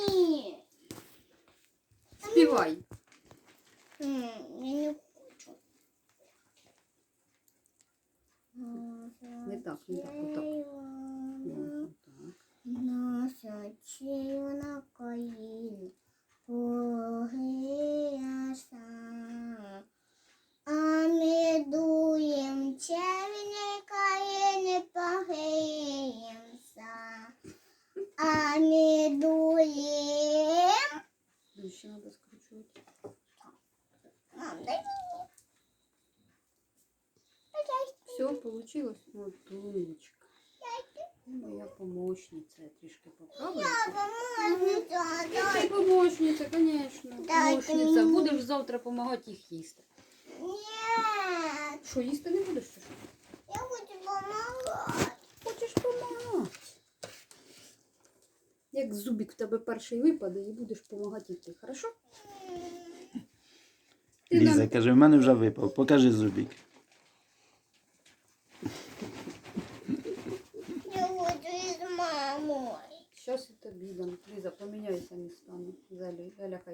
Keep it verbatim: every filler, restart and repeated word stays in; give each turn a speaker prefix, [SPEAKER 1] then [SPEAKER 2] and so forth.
[SPEAKER 1] Ні.
[SPEAKER 2] Співай.
[SPEAKER 1] М, Я не хочу.
[SPEAKER 2] Не так, не так, отак. О, отак.
[SPEAKER 1] Наша червона країна, погріяса. А ми дуєм червні країни, погріємося. А ми дуєм.
[SPEAKER 2] Ще треба скручувати.
[SPEAKER 1] Мам, дай мені.
[SPEAKER 2] Все, получилось? Вот, умничка. Моя помощница. Я трішки поправлю. Ти помощниця, конечно.
[SPEAKER 1] Дайте
[SPEAKER 2] Помощниця.
[SPEAKER 1] мені.
[SPEAKER 2] Будеш завтра допомагати їх їсти.
[SPEAKER 1] Ні.
[SPEAKER 2] Що, їсти не будеш? Чи що?
[SPEAKER 1] Я хочу допомагати.
[SPEAKER 2] Хочеш допомагати? Як зубик в тебе перший випаде і будеш допомагати йти, хорошо? Ти
[SPEAKER 3] Ліза
[SPEAKER 2] нам-
[SPEAKER 3] каже, в мене вже випав. Покажи зубик.
[SPEAKER 1] Я хочу із мамою.
[SPEAKER 2] Щас і тобі дам. Ліза, поміняйся містами. Залі, Галя, хай